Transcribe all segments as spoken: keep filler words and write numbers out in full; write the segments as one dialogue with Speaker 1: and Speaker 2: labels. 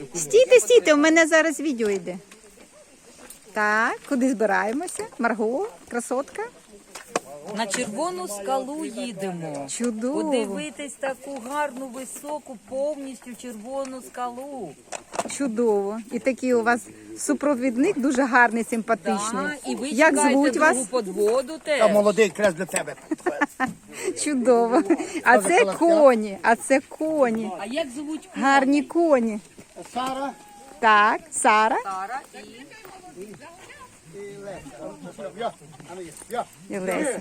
Speaker 1: Стійте, стійте, у мене зараз відео йде. Так, куди збираємося? Марго, красотка.
Speaker 2: На червону скалу їдемо.
Speaker 1: Чудово.
Speaker 2: Подивитись таку гарну, високу, повністю червону скалу.
Speaker 1: Чудово. І такий у вас супровідник дуже гарний, симпатичний.
Speaker 2: Да, і ви
Speaker 1: Як
Speaker 2: чекаєте
Speaker 1: звуть
Speaker 2: другу
Speaker 1: вас?
Speaker 2: подводу
Speaker 3: Та
Speaker 2: теж.
Speaker 3: молодий крес для тебе.
Speaker 1: Чудово. А це коні, а це коні.
Speaker 2: А як звуть
Speaker 1: Гарні коні.
Speaker 3: Сара
Speaker 1: Так, Сара
Speaker 2: Сара і...
Speaker 3: і Леся. Я, а не я. Я.
Speaker 1: і Леся.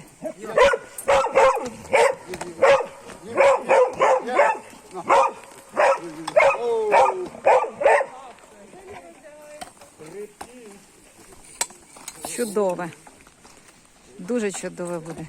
Speaker 1: Чудове. Дуже чудове буде.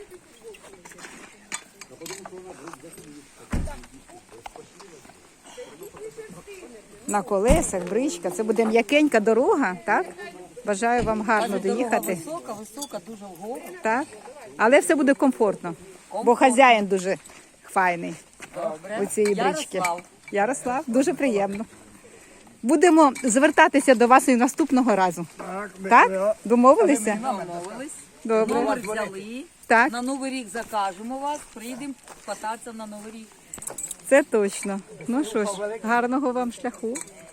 Speaker 1: На колесах, бричка. Це буде м'якенька дорога, так? Бажаю вам гарно
Speaker 2: Дорога
Speaker 1: доїхати.
Speaker 2: висока, висока, дуже вгору.
Speaker 1: Так? Але все буде комфортно, бо хазяїн дуже файний
Speaker 2: Добре.
Speaker 1: у цієї брички.
Speaker 2: Ярослав.
Speaker 1: Ярослав, дуже приємно. Будемо звертатися до вас і наступного разу. Так? Домовилися?
Speaker 2: Домовились.
Speaker 1: Добре.
Speaker 2: Номер взяли.
Speaker 1: Так,
Speaker 2: На Новий рік закажемо вас, приїдемо кататися на Новий рік.
Speaker 1: це точно. Ну що ж, гарного вам шляху.